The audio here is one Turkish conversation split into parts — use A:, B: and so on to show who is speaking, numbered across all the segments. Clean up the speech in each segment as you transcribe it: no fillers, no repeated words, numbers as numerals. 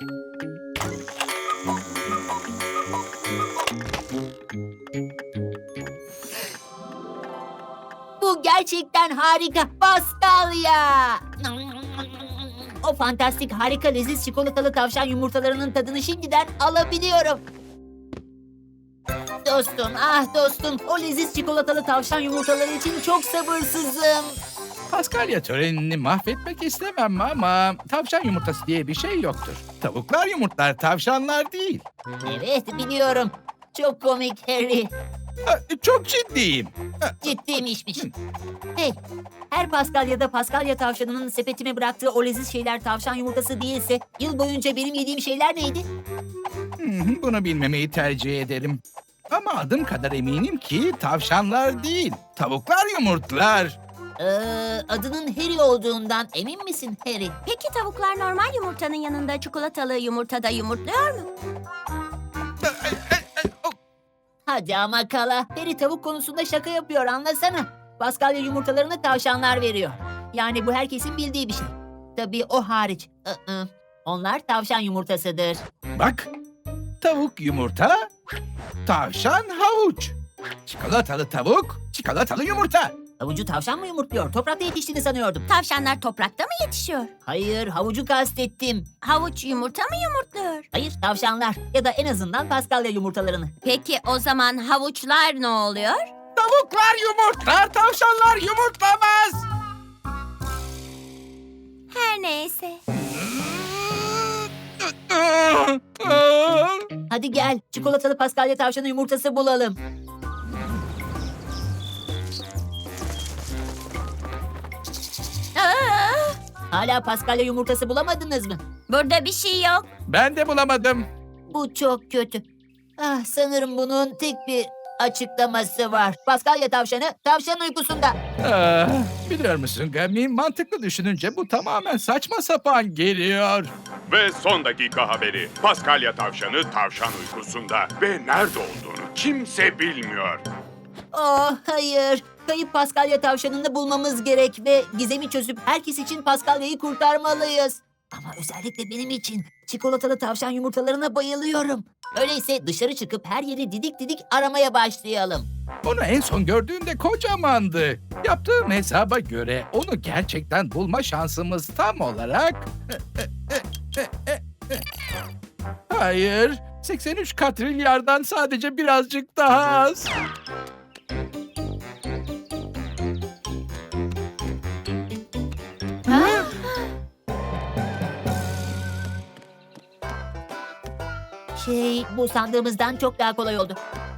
A: Bu gerçekten harika. Paskalya. O fantastik, harika, leziz çikolatalı tavşan yumurtalarının tadını şimdiden alabiliyorum. Dostum, ah dostum, o leziz çikolatalı tavşan yumurtaları için çok sabırsızım.
B: Paskalya törenini mahvetmek istemem ama tavşan yumurtası diye bir şey yoktur. Tavuklar yumurtlar, tavşanlar değil.
A: Evet, biliyorum. Çok komik Harry.
B: Çok ciddiyim.
A: Ciddiymişmiş. Hey, her Paskalya'da Paskalya tavşanının sepetime bıraktığı o leziz şeyler tavşan yumurtası değilse, yıl boyunca benim yediğim şeyler neydi?
B: Bunu bilmemeyi tercih ederim. Ama adım kadar eminim ki tavşanlar değil, tavuklar yumurtlar.
A: Adının Harry olduğundan emin misin Harry?
C: Peki tavuklar normal yumurtanın yanında çikolatalı yumurtada yumurtluyor mu?
A: Hadi ama Kala. Harry tavuk konusunda şaka yapıyor, anlasana. Paskalya yumurtalarını tavşanlar veriyor. Yani bu herkesin bildiği bir şey. Tabii o hariç. Onlar tavşan yumurtasıdır.
B: Bak, tavuk yumurta, tavşan havuç. Çikolatalı tavuk, çikolatalı yumurta.
A: Havucu tavşan mı yumurtluyor? Toprakta yetiştiğini sanıyordum.
C: Tavşanlar toprakta mı yetişiyor?
A: Hayır, havucu kastettim.
C: Havuç yumurta mı yumurtluyor?
A: Hayır, tavşanlar. Ya da en azından Paskalya yumurtalarını.
C: Peki o zaman havuçlar ne oluyor?
B: Tavuklar yumurtlar, tavşanlar yumurtlamaz.
C: Her neyse.
A: Hadi gel, çikolatalı Paskalya tavşanı yumurtası bulalım.
C: Aa,
A: Hala Paskalya yumurtası bulamadınız mı?
C: burada bir şey yok.
B: Ben de bulamadım.
A: Bu çok kötü. Ah, sanırım bunun tek bir açıklaması var. Paskalya tavşanı tavşan uykusunda.
B: Biliyor musun Gami, mantıklı düşününce bu tamamen saçma sapan geliyor.
D: Ve son dakika haberi. Paskalya tavşanı tavşan uykusunda ve nerede olduğunu kimse bilmiyor.
A: Oh hayır. Kayıp Paskalya tavşanını bulmamız gerek ve gizemi çözüp herkes için Paskalya'yı kurtarmalıyız. Ama özellikle benim için çikolatalı tavşan yumurtalarına bayılıyorum. Öyleyse dışarı çıkıp her yeri didik didik aramaya başlayalım.
B: Onu en son gördüğünde kocamandı. Yaptığım hesaba göre onu gerçekten bulma şansımız tam olarak... Hayır, 83 katrilyardan sadece birazcık daha az.
A: Bu sandığımızdan çok daha kolay oldu.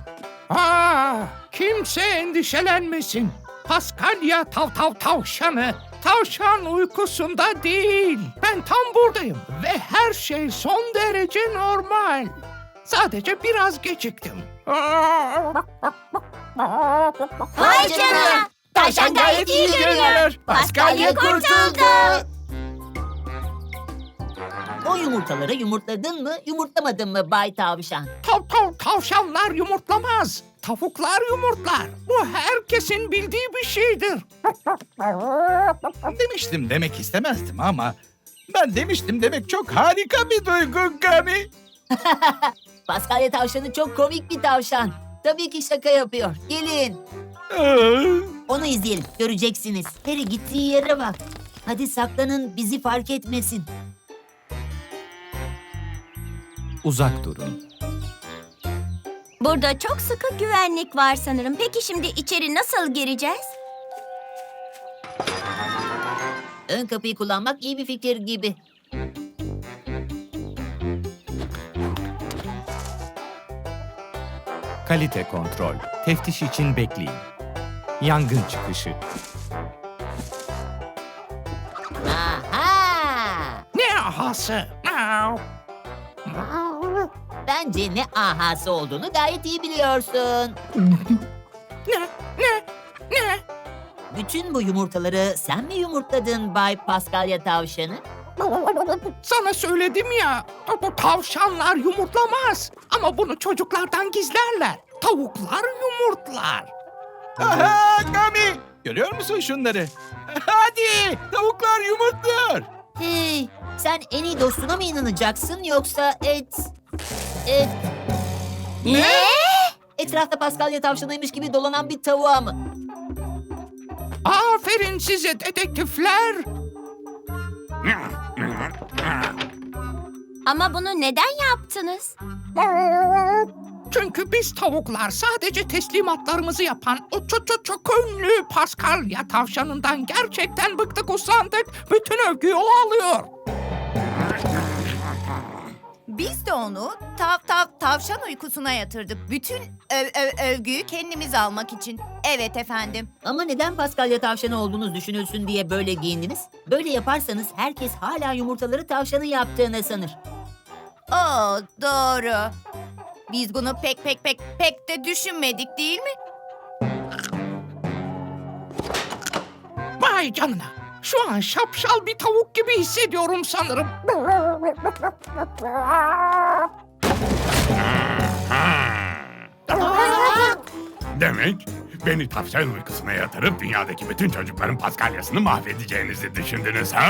E: Kimse endişelenmesin. Paskalya tavşanı tavşan uykusunda değil. Ben tam buradayım ve her şey son derece normal. Sadece biraz geciktim.
C: Vay canına! Tavşan gayet iyi görünüyor. Paskalya kurtuldu.
A: O yumurtaları yumurtladın mı, yumurtlamadın mı Bay Tavşan?
E: Tavşanlar yumurtlamaz. Tavuklar yumurtlar. Bu herkesin bildiği bir şeydir.
B: Demiştim demek istemezdim ama... Ben demiştim demek çok harika bir duygu Gami.
A: Paskalya tavşanı çok komik bir tavşan. Tabii ki şaka yapıyor. Gelin. Onu izleyelim. Göreceksiniz. Harry gittiği yere bak. Hadi saklanın, bizi fark etmesin.
F: Uzak durun.
C: Burada çok sıkı güvenlik var sanırım. Peki şimdi içeri nasıl gireceğiz?
A: Ön kapıyı kullanmak iyi bir fikir gibi.
F: Kalite kontrol. Teftiş için bekleyin. Yangın çıkışı.
A: Aha!
E: Ne ahası?
A: Bence ne ahası olduğunu gayet iyi biliyorsun.
E: Ne?
A: Bütün bu yumurtaları sen mi yumurtladın Bay Paskalya tavşanı?
E: Sana söyledim ya, tavşanlar yumurtlamaz. Ama bunu çocuklardan gizlerler. Tavuklar yumurtlar.
B: Aha Gami! Görüyor musun şunları? Hadi! Tavuklar yumurtluyor.
A: Hey, Sen en iyi dostuna mı inanacaksın yoksa
C: Ne?
A: etrafta Paskalya tavşanıymış gibi dolanan bir tavuğa mı?
E: Aferin size dedektifler.
C: Ama bunu neden yaptınız?
E: Çünkü biz tavuklar sadece teslimatlarımızı yapan o çok ünlü Paskalya tavşanından gerçekten bıktık usandık. Bütün övgüyü o alıyor.
G: Biz de onu tavşan uykusuna yatırdık. Bütün övgüyü kendimiz almak için. Evet efendim.
A: Ama neden Paskalya tavşanı olduğunuz düşünülsün diye böyle giyindiniz? Böyle yaparsanız herkes hala yumurtaları tavşanın yaptığını sanır.
G: Oo, doğru. Biz bunu pek de düşünmedik değil mi?
E: Vay canına. Şu an şapşal bir tavuk gibi hissediyorum sanırım.
D: Demek beni tavşan uykusuna yatırıp dünyadaki bütün çocukların Paskalyasını mahvedeceğinizi düşündünüz ha?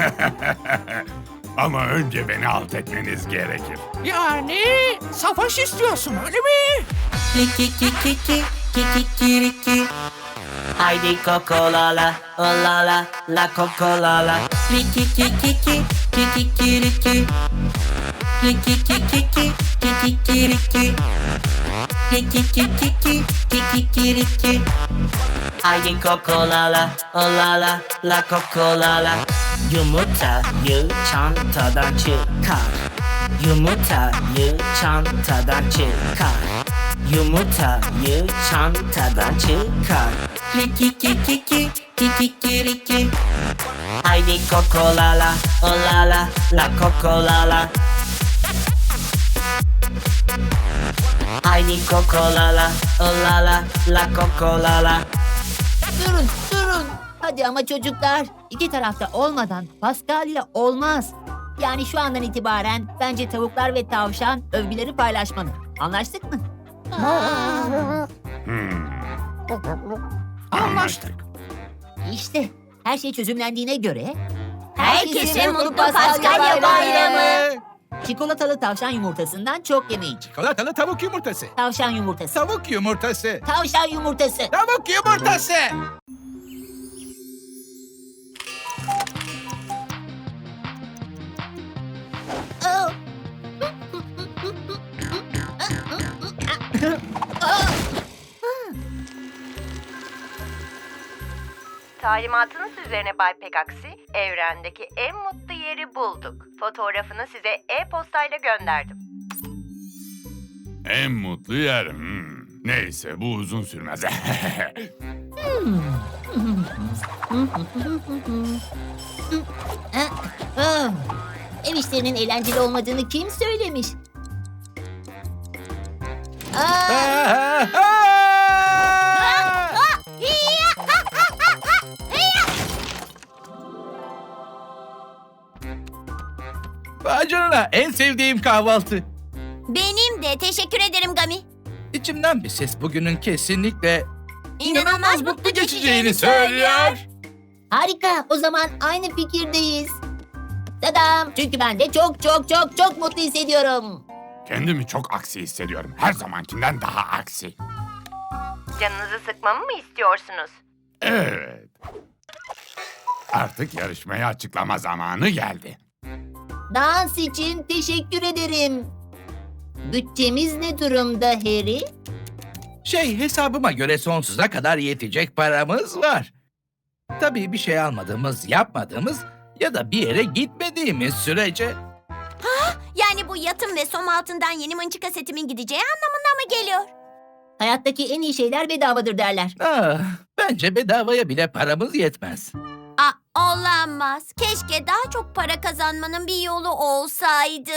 D: Ama önce beni alt etmeniz gerekir.
E: Yani savaş istiyorsun öyle mi?
H: Kikiriki. Haydi kokolala, olala, la kokolala. Kikiriki. Kikiriki. Kikiriki. Haydi kokolala, olala, la kokolala. Yumurtayı çantadan çıkar. Yumurtayı çantadan çıkar. Yumurtayı çantadan çıkar. Kikiriki. Haydi kokolala, olala, la kokolala. Haydi kokolala, olala, la kokolala.
A: Durun. Hadi ama çocuklar, iki tarafta olmadan Paskalya olmaz. Yani şu andan itibaren bence tavuklar ve tavşan övgüleri paylaşmalı. Anlaştık mı?
E: Anlaştık.
A: İşte her şey çözümlendiğine göre...
C: Herkese mutlu Paskalya bayramı.
A: Çikolatalı tavşan yumurtasından çok yemeyin.
B: Çikolatalı tavuk yumurtası.
A: Tavşan yumurtası.
B: Tavuk yumurtası.
A: Tavşan yumurtası.
B: Tavuk yumurtası.
A: Oh.
I: Talimatınız üzerine Bay Pegaksi, evrendeki en mutlu yeri bulduk. Fotoğrafını size e-postayla gönderdim.
D: En mutlu yer. Neyse bu uzun sürmez.
A: Ah, ev işlerinin eğlenceli olmadığını kim söylemiş?
B: Vay canına, en sevdiğim kahvaltı.
C: Benim de. Teşekkür ederim Gami.
B: İçimden bir ses bugünün kesinlikle
C: İnanılmaz mutlu geçeceğini söylüyor.
A: Harika, o zaman aynı fikirdeyiz. Tadam! Çünkü ben de çok mutlu hissediyorum.
D: Kendimi çok aksi hissediyorum. Her zamankinden daha aksi.
I: Canınızı sıkmamı mı istiyorsunuz?
D: Evet. Artık yarışmayı açıklama zamanı geldi.
A: Dans için teşekkür ederim. Bütçemiz ne durumda Harry?
B: hesabıma göre sonsuza kadar yetecek paramız var. Tabii bir şey almadığımız, yapmadığımız ya da bir yere gitmediğimiz sürece.
C: Yani bu yatım ve som altından yeni mınçıka setimin gideceği anlamına mı geliyor?
A: Hayattaki en iyi şeyler bedavadır derler.
B: Bence bedavaya bile paramız yetmez.
C: Olamaz. Keşke daha çok para kazanmanın bir yolu olsaydı.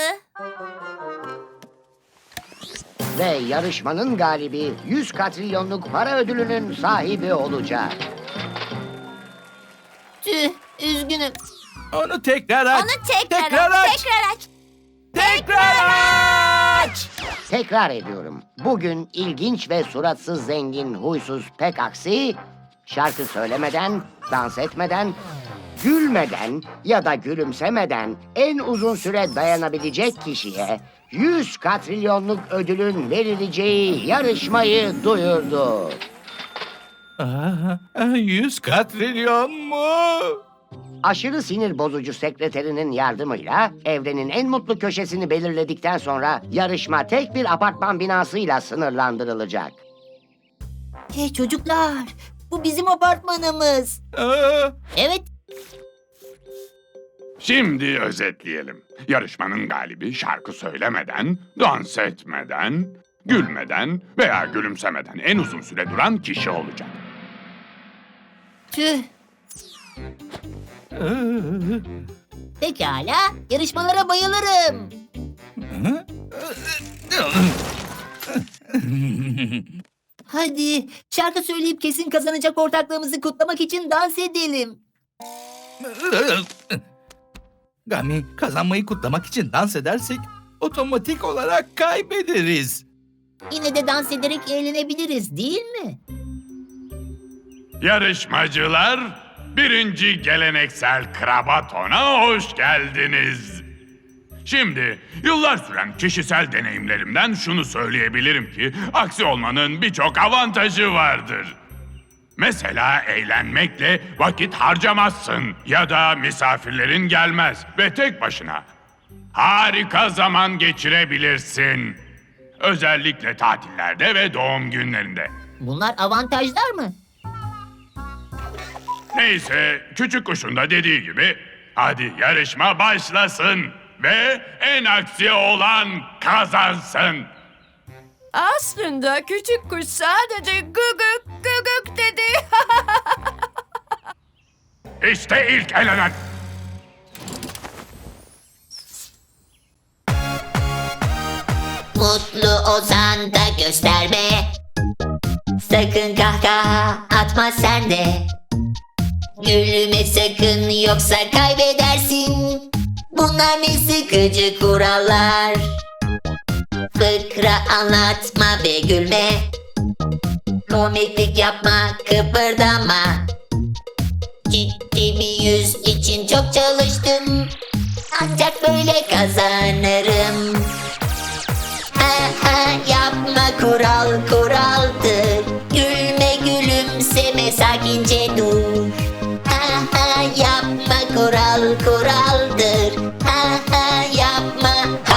J: Ve yarışmanın galibi 100 katrilyonluk para ödülünün sahibi olacak.
A: Tüh, üzgünüm.
B: Onu tekrar aç.
C: Onu tekrar
B: Tekrar
C: aç.
B: aç.
C: Tekrar aç.
B: Tekrar aç.
J: Tekrar ediyorum. Bugün ilginç ve suratsız zengin huysuz pek aksi şarkı söylemeden, dans etmeden gülmeden ya da gülümsemeden en uzun süre dayanabilecek kişiye 100 katrilyonluk ödülün verileceği yarışmayı duyurdu.
B: 100 katrilyon mu?
J: Aşırı sinir bozucu sekreterinin yardımıyla evrenin en mutlu köşesini belirledikten sonra yarışma tek bir apartman binasıyla sınırlandırılacak.
A: Hey çocuklar, bu bizim apartmanımız. Evet,
D: Şimdi özetleyelim. Yarışmanın galibi şarkı söylemeden, dans etmeden, gülmeden veya gülümsemeden en uzun süre duran kişi olacak.
A: tüh. Pekala, yarışmalara bayılırım. Hadi, şarkı söyleyip kesin kazanacak ortaklığımızı kutlamak için dans edelim.
B: Gami, kazanmayı kutlamak için dans edersek otomatik olarak kaybederiz.
A: Yine de dans ederek eğlenebiliriz, değil mi?
D: Yarışmacılar, birinci geleneksel krabaton'a hoş geldiniz. Şimdi yıllar süren kişisel deneyimlerimden şunu söyleyebilirim ki aksi olmanın birçok avantajı vardır. Mesela eğlenmekle vakit harcamazsın ya da misafirlerin gelmez ve tek başına harika zaman geçirebilirsin. Özellikle tatillerde ve doğum günlerinde.
A: Bunlar avantajlar mı?
D: Neyse, küçük kuşun da dediği gibi hadi yarışma başlasın ve en aksi olan kazansın.
G: Aslında küçük kuş sadece gıgık gıgık dedi.
D: İşte ilk elenen.
K: Mutlu olsan da gösterme. Sakın kahkaha atma sen de. Gülme sakın yoksa kaybedersin. Bunlar ne sıkıcı kurallar. Fıkra anlatma ve gülme. Komiklik yapma, kıpırdama. Ciddi bir yüz için çok çalıştım. Ancak böyle kazanırım. Yapma, kural kuraldır. Gülme gülümseme, sakince dur. Yapma, kural kuraldır. Yapma.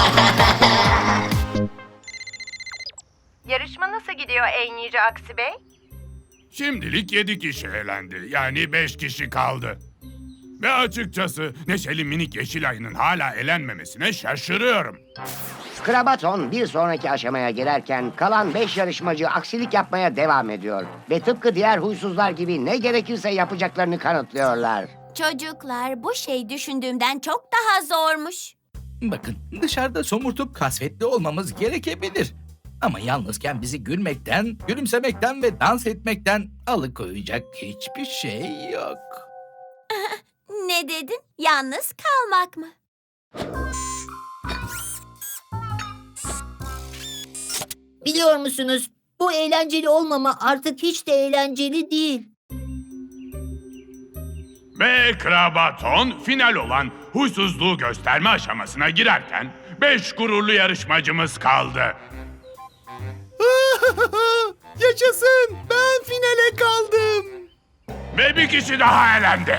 I: Yarışma nasıl gidiyor ey Nice Aksi Bey?
D: Şimdilik 7 kişi elendi. Yani 5 kişi kaldı. Ve açıkçası Neşeli Minik Yeşil Ayı'nın hala elenmemesine şaşırıyorum.
J: Krabaton bir sonraki aşamaya girerken kalan 5 yarışmacı aksilik yapmaya devam ediyor. Ve tıpkı diğer huysuzlar gibi ne gerekirse yapacaklarını kanıtlıyorlar.
C: Çocuklar, bu şey düşündüğümden çok daha zormuş.
B: Bakın, dışarıda somurtup kasvetli olmamız gerekebilir. Ama yalnızken bizi gülmekten, gülümsemekten ve dans etmekten alıkoyacak hiçbir şey yok.
C: Ne dedin? Yalnız kalmak mı?
A: Biliyor musunuz? Bu eğlenceli olmama artık hiç de eğlenceli değil.
D: Ve Krabaton final olan huysuzluğu gösterme aşamasına girerken 5 gururlu yarışmacımız kaldı.
F: Yaşasın! Ben finale kaldım.
D: Ve bir kişi daha elendi.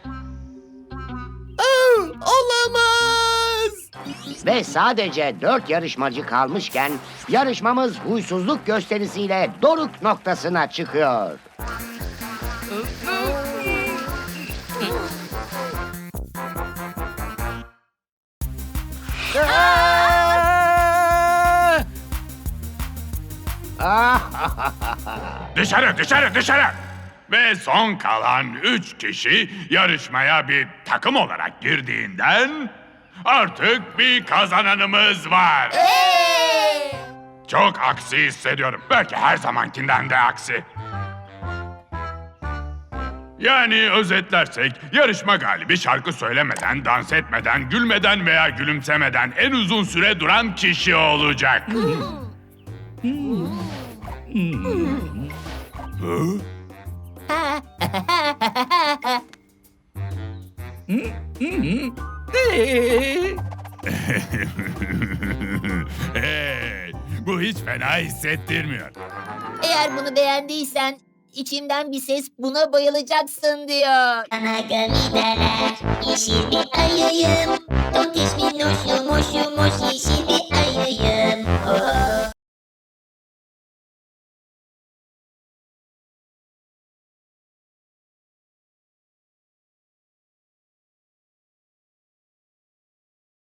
F: Olamaz!
J: Ve sadece 4 yarışmacı kalmışken yarışmamız huysuzluk gösterisiyle doruk noktasına çıkıyor.
D: Dışarı, dışarı, dışarı! Ve son kalan 3 kişi yarışmaya bir takım olarak girdiğinden artık bir kazananımız var. Çok aksi hissediyorum. Belki her zamankinden de aksi. Yani özetlersek yarışma galibi şarkı söylemeden, dans etmeden, gülmeden veya gülümsemeden en uzun süre duran kişi olacak. Hey, bu hiç fena hissettirmiyor.
A: Eğer bunu beğendiysen içimden bir ses buna bayılacaksın diyor.
K: Bana gami derler, yeşil bir ayıyım.